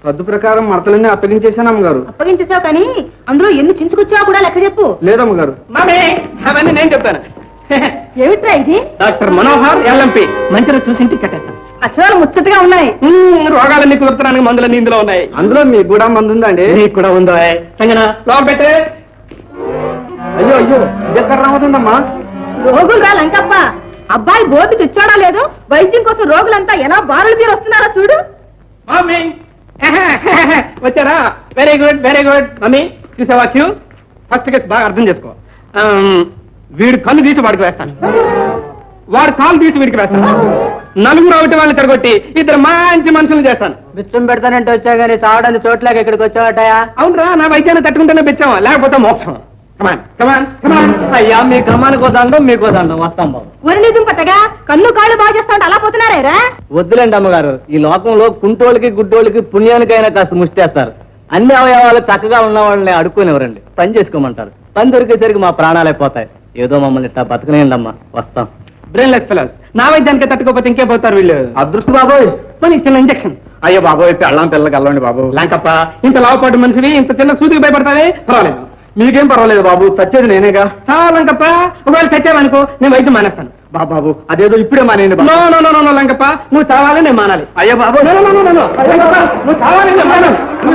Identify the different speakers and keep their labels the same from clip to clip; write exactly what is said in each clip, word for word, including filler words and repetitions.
Speaker 1: పద్దు ప్రకారం మడతలన్నీ అప్పగించేశాను అమ్మగారు.
Speaker 2: అప్పగించేసావు కానీ అందులో ఎన్ని చించుకొచ్చావు కూడా లెక్క చెప్పు.
Speaker 1: లేదమ్మగారు.
Speaker 3: అవన్నీ నేను చెప్తాను.
Speaker 2: ఏమిట్రా ఇది?
Speaker 3: డాక్టర్ మనోహర్ ఎల్ఎంపి మంచిగా చూసి ఇంటికి కట్టేస్తాను.
Speaker 2: అక్షరాలు ముచ్చటగా ఉన్నాయి.
Speaker 3: రోగాలన్నీ కుదురుతున్నానికి మందులన్నీ ఇందులో ఉన్నాయి.
Speaker 1: అందులో మీకు కూడా మందు ఉందండి?
Speaker 3: నీకు కూడా ఉందో సంగనా లోపల పెట్టే.
Speaker 1: అయ్యో అయ్యో ఎక్కడ రావదండమ్మా.
Speaker 2: రోగులు రా లంకప్ప. అబ్బాయి బోర్డు తెచ్చాడా లేదు, వైద్యం కోసం రోగులంతా ఎలా బారులు తీరు వస్తున్నారో చూడు.
Speaker 3: మమ్మీ వచ్చారా? Very good very good. Mummy చూసావా క్యూ? ఫస్ట్ కేసు బాగా అర్థం చేసుకో. వీడు కళ్ళు తీసి వాడికి వేస్తాను, వాడు కాలు తీసి వీడికి వేస్తాను. నలుగురు ఒకటి వాళ్ళని తిరగొట్టి ఇద్దరు మంచి మనుషులు చేస్తాను.
Speaker 1: బిచ్చం పెడతానంటే వచ్చా గానీ తాగడానికి చోట్లేక ఇక్కడికి వచ్చావటయా?
Speaker 3: అవునరా, నా వైద్యాన్ని తట్టుకుంటేనే పెంచావా, లేకపోతే మోక్షం. కమాన్ కమాన్ కమాన్. అయ్యా మీ కమానికి వదండం మీకు వదండం వస్తాం బాబు.
Speaker 2: ఊరి నిజం పట్టగా కన్ను కాళ్ళు బాగు చేస్తా ఉంటే అలా పోతున్నారా?
Speaker 1: వద్దులేండి అమ్మగారు, ఈ లోకంలో కుంటోళ్ళకి గుడ్డోళ్ళకి పుణ్యానికైనా కాస్త ముష్టేస్తారు. అన్ని అవయవాలు చక్కగా ఉన్న వాళ్ళని అడుక్కునేవరండి, పని చేసుకోమంటారు. పని దొరికేసరికి మా ప్రాణాలే పోతాయి. ఏదో మమ్మల్ని ఇట్టా బతకనేయండి అమ్మా, వస్తాం.
Speaker 3: బ్రెయిన్లెస్ ఫెలోస్, నా వైద్యానికి తట్టుకోపోతే ఇంకే పోతారు వీళ్ళు.
Speaker 1: అదృష్టం బాబోయ్.
Speaker 3: మన చిన్న ఇంజక్షన్.
Speaker 1: అయ్యో బాబోయ్, పెళ్ళం పిల్లకి వెళ్ళండి బాబు.
Speaker 3: లాంకప్ప, ఇంత లావుపాటు మనిషివి ఇంత చిన్న సూదికి భయపడతావే? పర్వాలేదు.
Speaker 1: మీకేం పర్వాలేదు బాబు, చచ్చేది నేనేగా.
Speaker 3: చాలా లంకప్ప, ఒకవేళ చచ్చావనుకో నేను వైద్యం మానేస్తాను.
Speaker 1: బాబాబు అదేదో ఇప్పుడే మానేయండి.
Speaker 3: No no no no Lankappa, నువ్వు చావాలి నేను మానాలి.
Speaker 1: అయ్యో బాబు,
Speaker 3: నో నో నో నో నువ్వు చావాలి నేను మానాలి.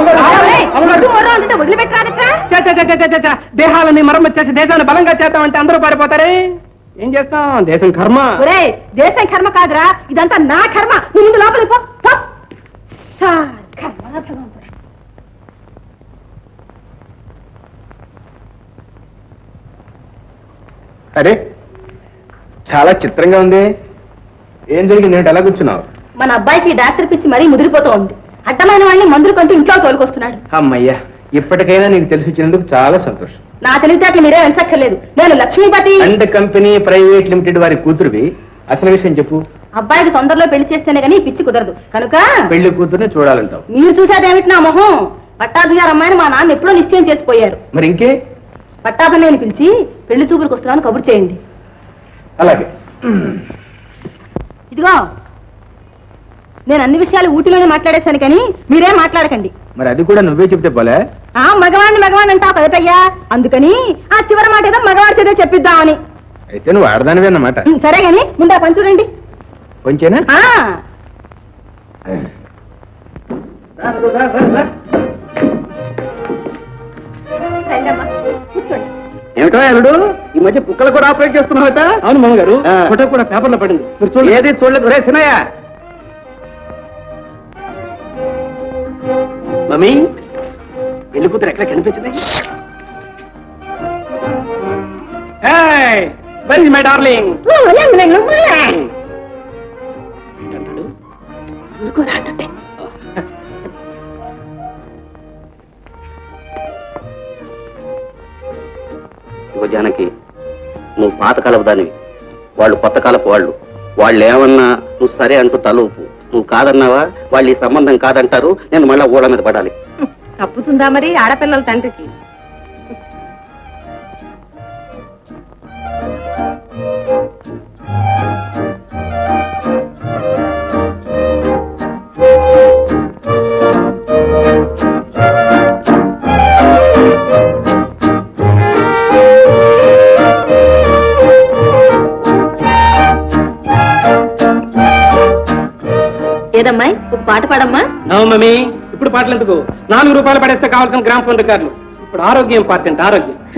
Speaker 2: వదిలిపెట్టరా?
Speaker 3: దేహాలని మరమ్మతు చేసి దేశాన్ని బలంగా చేద్దామంటే అందరూ పారిపోతారే. ఏం చేస్తాం, దేశం కర్మ.
Speaker 2: ఒరే, దేశం కర్మ కాదురా, ఇదంతా నా కర్మ. నువ్వు ముందు లోపలికి పో. పో. సార్, కర్మ భగవంతుడా.
Speaker 1: అరే చాలా చిత్రంగా ఉంది. ఏం జరిగింది? ఏంటి ఎలా కూర్చున్నావు?
Speaker 2: మన అబ్బాయికి డాక్టర్ పిచ్చి మరీ ముదిరిపోతూ ఉంది. అడ్డమైన వాడిని మందులు కంటూ ఇంట్లో తోలుకొస్తున్నాడు.
Speaker 1: అమ్మయ్యా, ఇప్పటికైనా నీకు తెలిసి వచ్చినందుకు చాలా సంతోషం.
Speaker 2: నా తెలివితేటలు మీరే వెంచక్కర్లేదు. నేను Lakshmipati
Speaker 1: and company private limited వారి కూతురువి. అసలు విషయం చెప్పు.
Speaker 2: అబ్బాయికి తొందరలో పెళ్లి చేస్తేనే గానీ పిచ్చి కుదరదు కనుక
Speaker 1: పెళ్లి కూతురుని చూడాలంటావు.
Speaker 2: మీరు చూసేదేమిటి నా మొహం? పట్టాభి గారు అమ్మాయిని మా నాన్న ఎప్పుడో నిశ్చయం చేసిపోయారు.
Speaker 1: మరి ఇంకే?
Speaker 2: పట్టాభి నేను పిలిచి పెళ్లి చూపులకు వస్తున్నాను కబురు చేయండి.
Speaker 1: అలాగే.
Speaker 2: ఇదిగో, నేను అన్ని విషయాలు ఊటిలోనే మాట్లాడేశాను కానీ మీరేం మాట్లాడకండి.
Speaker 1: మరి అది కూడా నువ్వే చెప్తే పోలే.
Speaker 2: ఆ మగవాడిని మగవాడిని అంటావు కదటయ్యా, అందుకని ఆ చివరి మాట ఏదో మగవాడి చేత చెప్పిద్దామని.
Speaker 1: అయితే నువ్వు ఆడదానివే అన్నమాట.
Speaker 2: సరే గాని ముందు ఆ పని చూడండి.
Speaker 1: కొంచెనా?
Speaker 2: కూర్చోండి.
Speaker 1: ఏమిటో అల్లుడు, ఈ మధ్య కుక్కలు కూడా ఆపరేట్ చేస్తున్నావుట?
Speaker 3: అవును మామగారు,
Speaker 1: ఆ.
Speaker 3: ఫోటో కూడా పేపర్లో పడింది. మీరు చూడండి.
Speaker 1: ఏది చూడలేదు. రే సినయ్య,
Speaker 3: మమ్మీ పెళ్లి కూతురు ఎక్కడ కనిపించింది? Very my darling.
Speaker 4: జానకి, నువ్వు పాతకాలపు దానివి, వాళ్ళు కొత్త కాలపు వాళ్ళు. వాళ్ళు ఏమన్నా నువ్వు సరే అంటూ తలూపు. నువ్వు కాదన్నావా వాళ్ళు ఈ సంబంధం కాదంటారు. నేను మళ్ళా ఊళ్ళ మీద పడాలి.
Speaker 2: తప్పుతుందా మరి ఆడపిల్లల తండ్రికి? ఏదమ్మాయి, ఒక పాట పాడమ్మా.
Speaker 3: నో మమ్మీ, ఇప్పుడు పాటలు ఎందుకు? నాలుగు రూపాయలు పడేస్తే కావాల్సిన గ్రామ్ ఫోన్ రికార్డులు. ఇప్పుడు ఆరోగ్యం ఇంపార్టెంట్. ఆరోగ్యం